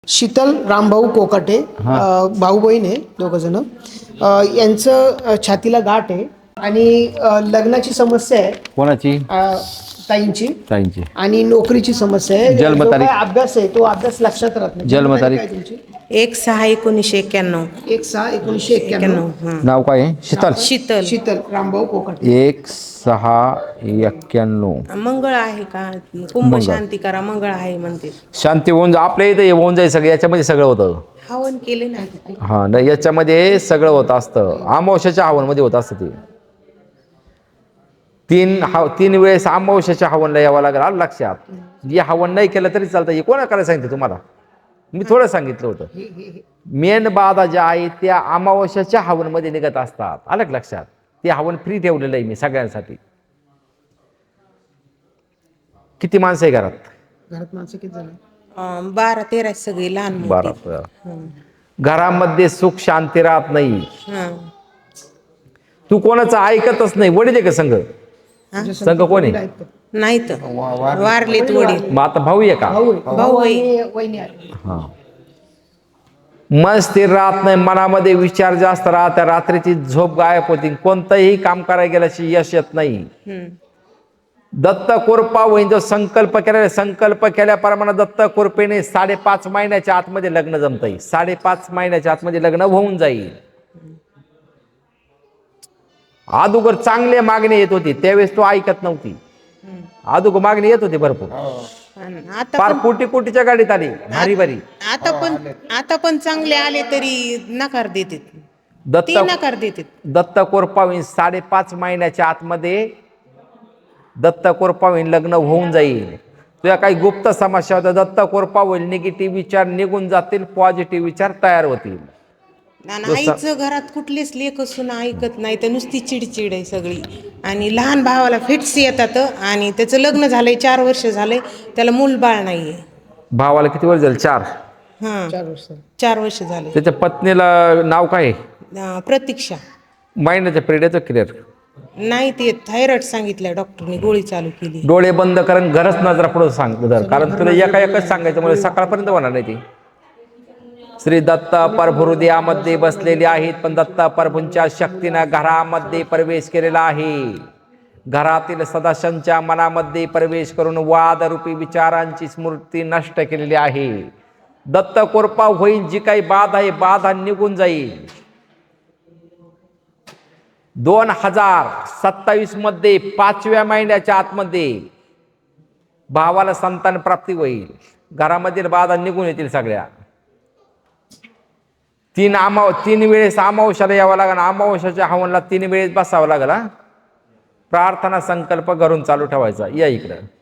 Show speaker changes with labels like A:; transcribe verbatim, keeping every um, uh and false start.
A: शीतल रामभाऊ कोकाटे, अ, भाऊ बहीण आहे दोघं जण. अ, यांचं अ, छातीला गाठ आहे आणि अ, लग्नाची समस्या आहे
B: कोणाची?
A: अ, ताईंची
B: ताईंची.
A: आणि नोकरीची समस्या आहे. जो
B: जन्मतारीख?
A: काय अभ्यास आहे तो अभ्यास लक्षात राहत नाही.
B: जन्मतारीख?
A: काय तुमची?
C: एक सहा एकोणीसशे एक्क्याण्णव.
A: एक सहा एकोणीसशे एक्क्याण्णव.
C: हां.
B: नाव काय आहे? शीतल.
C: शीतल.
A: शीतल रामभाऊ कोकाटे.
B: एक सहा एक्क्याण्णव.
C: मंगळ आहे का? कुंभ शांती करा, मंगळ आहे म्हणते.
B: शांती होऊन जा आपल्या इथे होऊन जाईल सगळं. याच्यामध्ये सगळं होतं.
C: हवन केले ना.
B: हा नाही याच्यामध्ये सगळं होत असतं. अमावस्याच्या हवनमध्ये होत असतं ते. तीन हा तीन वेळेस अमावस्याच्या हवनला यावं लागेल. आलं लक्षात. जे हवन नाही केलं तरी चालतं. हे कोणा करायला सांगितलं तुम्हाला? मी थोडं सांगितलं होतं. मेन बाधा ज्या आहेत त्या अमावस्याच्या हवनमध्ये निघत असतात. आलं का लक्षात? ते हवन फ्री ठेवलेलं आहे मी सगळ्यांसाठी. किती माणसं आहे घरात?
A: घरात माणसं किती झाले?
C: अं, बारा तेरा सगळी लहान मोठी.
B: बारा. घरामध्ये सुख शांती राहत नाही.
C: हं.
B: तू कोणाचं ऐकतच नाही. वडील आहे का संघ? संघ कोण आहे?
C: नाही तर वारलेत वडील.
B: मग आता भाऊ आहे का?
A: भाऊ आहे.
C: भाऊ आहे.
A: आणि वहिनी आहे.
B: हा. मन स्थिर राहत नाही. मनामध्ये विचार जास्त राहतात. रात्रीची झोप गायब होती. कोणतंही काम करायला गेल्याशी यश येत नाही.
C: हं.
B: दत्त कोरपा वहीन जो संकल्प केला, संकल्प केल्याप्रमाणे दत्त कोरपेने साडेपाच महिन्याच्या आतमध्ये लग्न जमता येईल. साडेपाच महिन्याच्या आतमध्ये लग्न होऊन जाईल. अगोदर चांगले मागणी येत होती त्यावेळेस तो ऐकत नव्हती. अगोदर मागणी येत होती भरपूर.
C: आणि आता
B: फार
C: पण
B: कोटी कोटीच्या गाडीत आली भारी भारी.
C: आता पण आता पण चांगले आले तरी नकार देतात.
B: दत्त
C: ते नकार देतात.
B: दत्त कोरपावीन साडेपाच महिन्याच्या आतमध्ये दत्त कोरपावीन लग्न होऊन जाईल. तुझ्या काही गुप्त समस्या होत्या दत्त कोरपा होईल. निगेटिव्ह विचार निघून जातील. पॉझिटिव्ह विचार तयार होतील.
C: आणि आईचं घरात कुठलेच लेख असून ऐकत नाही तर नुसती चिडचिड आहे सगळी. आणि लहान भावाला फिट्स येतात आणि त्याचं लग्न झालंय चार वर्ष झालंय त्याला मूल बाळ नाहीये.
B: भावाला किती वर्ष झाले? चार.
C: हा
A: चार वर्ष.
C: चार वर्ष झाले.
B: त्याच्या पत्नीला नाव काय आहे?
C: अं, प्रतीक्षा.
B: महिन्याच्या पिरियडचं क्लिअर.
C: नाही ते थायरॉइड सांगितलं डॉक्टरने गोळी चालू केली.
B: डोळे बंद कारण घरच नजरा पुढे सांग धर. कारण तुला एका एकच सांगायचं म्हणजे सकाळपर्यंत होणार नाही ती. श्री दत्त प्रभू हृदयामध्ये बसलेले आहेत पण दत्त प्रभूंच्या शक्तीनं घरामध्ये प्रवेश केलेला आहे. घरातील सदस्यांच्या मनामध्ये प्रवेश करून वादरूपी विचारांची स्मृती नष्ट केलेली आहे. दत्त कोरपा होईल. जी काही बाधा आहे बाधा निघून जाईल. दोन हजार सत्तावीस मध्ये पाचव्या महिन्याच्या आतमध्ये भावाला संतान प्राप्ती होईल. घरामधील बाधा निघून येतील सगळ्या. तीन आमाव तीन वेळेस अमावस्याला यावं लागेल. अमावस्याच्या हवनला तीन वेळेस बसावं लागेल. प्रार्थना संकल्प घरून चालू ठेवायचा. या इकडं.